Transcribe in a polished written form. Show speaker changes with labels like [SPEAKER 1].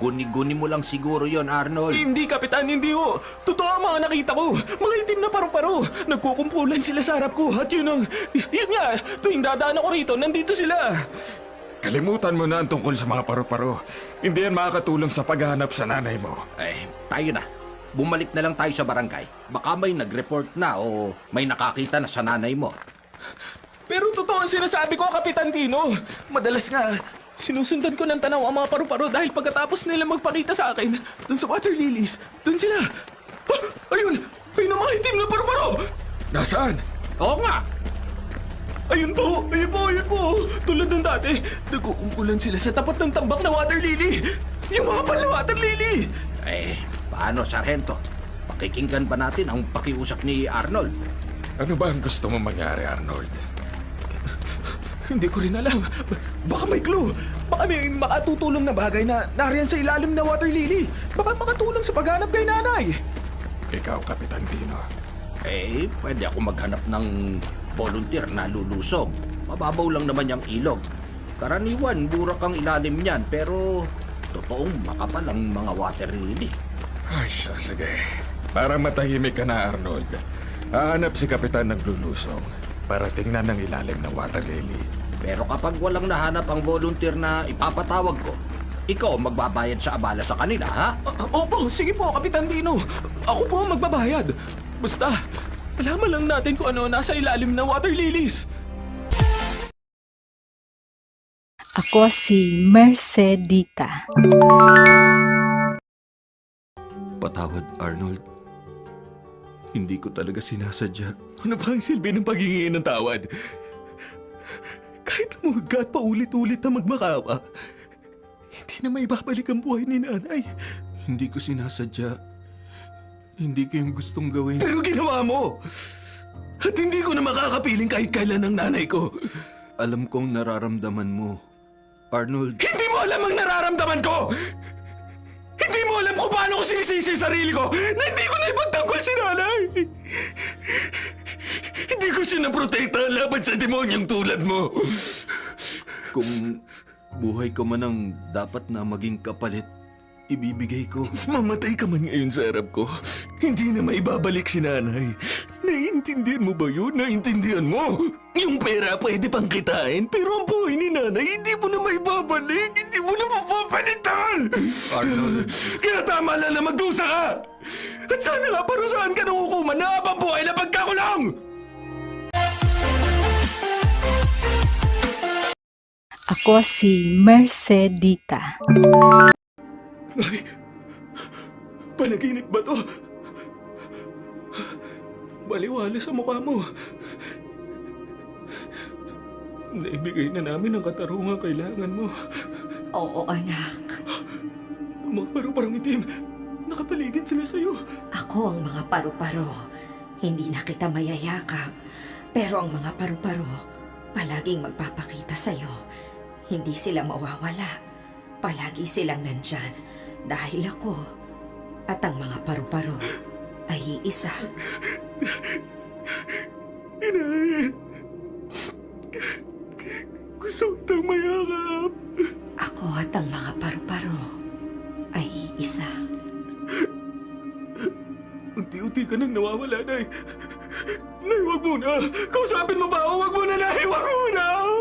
[SPEAKER 1] Guni-guni mo lang siguro yon, Arnold.
[SPEAKER 2] Hindi, Kapitan, hindi ho. Totoo ang mga nakita ko. Mga itim na paru-paro. Nagkukumpulan sila sa harap ko. At yun nga, tuwing dadaan ako rito, nandito sila.
[SPEAKER 3] Kalimutan mo na ang tungkol sa mga paru-paro. Hindi yan makakatulong sa paghahanap sa nanay mo.
[SPEAKER 1] Tayo na. Bumalik na lang tayo sa barangay. Baka may nag-report na o may nakakita na sa nanay mo.
[SPEAKER 2] Pero totoo ang sinasabi ko, Kapitan Tino. Madalas nga, sinusundan ko ng tanaw ang mga paru-paro dahil pagkatapos nila magpakita sa akin, dun sa water lilies, dun sila. Ayun! Ayun ang mga itim na paru-paro!
[SPEAKER 3] Nasaan?
[SPEAKER 1] Oo nga!
[SPEAKER 2] Ayun po! Ayun po! Tulad ng dati, nagkukumpulan sila sa tapat ng tambak na water lily! Yung mga pala water lily!
[SPEAKER 1] Paano, Sargento? Pakikinggan ba natin ang pakiusap ni Arnold?
[SPEAKER 3] Ano ba ang gusto mo mangyari, Arnold?
[SPEAKER 2] Hindi ko rin alam. Baka may clue. Baka may makatutulong na bagay na nariyan sa ilalim na water lily. Baka makatulong sa paghanap kay nanay.
[SPEAKER 3] Ikaw, Kapitan Tino.
[SPEAKER 1] Pwede ako maghanap ng volunteer na lulusong. Mababaw lang naman yung ilog. Karaniwan, burak ang ilalim niyan, pero totoong makapal ang mga water lily.
[SPEAKER 3] Ay, siya, sige. Para matahimik ka na, Arnold. Hahanap si Kapitan ng lulusong para tingnan ang ilalim ng water lily.
[SPEAKER 1] Pero kapag walang nahanap ang volunteer na ipapatawag ko, ikaw magbabayad sa abala sa kanila, ha?
[SPEAKER 2] Opo, sige po, Kapitan Dino. Ako po ang magbabayad. Basta, alaman lang natin kung ano nasa ilalim ng water lilies.
[SPEAKER 4] Ako si Mercedita.
[SPEAKER 2] Patawad, Arnold. Hindi ko talaga sinasadya. Ano ba ang silbi ng paghingi ng tawad? Kahit lumuhod pa ulit-ulit na magmakawa, hindi na maibabalik ang buhay ni nanay. Hindi ko sinasadya. Hindi ko yung gustong gawin. Pero ginawa mo! At hindi ko na makakapiling kahit kailan ng nanay ko. Alam kong nararamdaman mo, Arnold. Hindi mo alam ang nararamdaman ko! Hindi mo alam kung paano ko sinisisi sarili ko na hindi ko na ipagtanggol si nanay! Hindi ko siya naprotekta laban sa demonyang tulad mo! Kung buhay ko man ang dapat na maging kapalit, ibibigay ko. Mamatay ka man ngayon sa harap ko. Hindi na maibabalik si nanay. Naiintindihan mo ba yun? Naiintindihan mo? Yung pera pwede pang kitain, pero ang buhay ni nanay hindi mo na maibabalik. Hindi mo na mapapalitan!
[SPEAKER 1] Arnold.
[SPEAKER 2] Kaya tama lang na magdusa ka! At sana nga parusahan ka ng hukuman na habang buhay na pagkakulong!
[SPEAKER 4] Ako si Mercedita.
[SPEAKER 2] Ay, panaginip ba to? Baliwala sa mukha mo. Naibigay na namin ang katarungang kailangan mo.
[SPEAKER 5] Oo, anak.
[SPEAKER 2] Ang mga paru-parang itim, nakapaligid sila sa'yo.
[SPEAKER 5] Ako ang mga paru-paro. Hindi na kita mayayakap. Pero ang mga paru-paro, palaging magpapakita sa'yo. Hindi sila mawawala. Palagi silang nandyan. Dahil ako at ang mga paru-paro ay iisa.
[SPEAKER 2] Inay, gusto kitang mayakap.
[SPEAKER 5] Ako at ang mga paru-paro ay iisa.
[SPEAKER 2] Unti-unti ka nang nawawala, Nay. Nay, wag muna. Kausapin mo ba ako? Wag muna, Nay. Wag muna.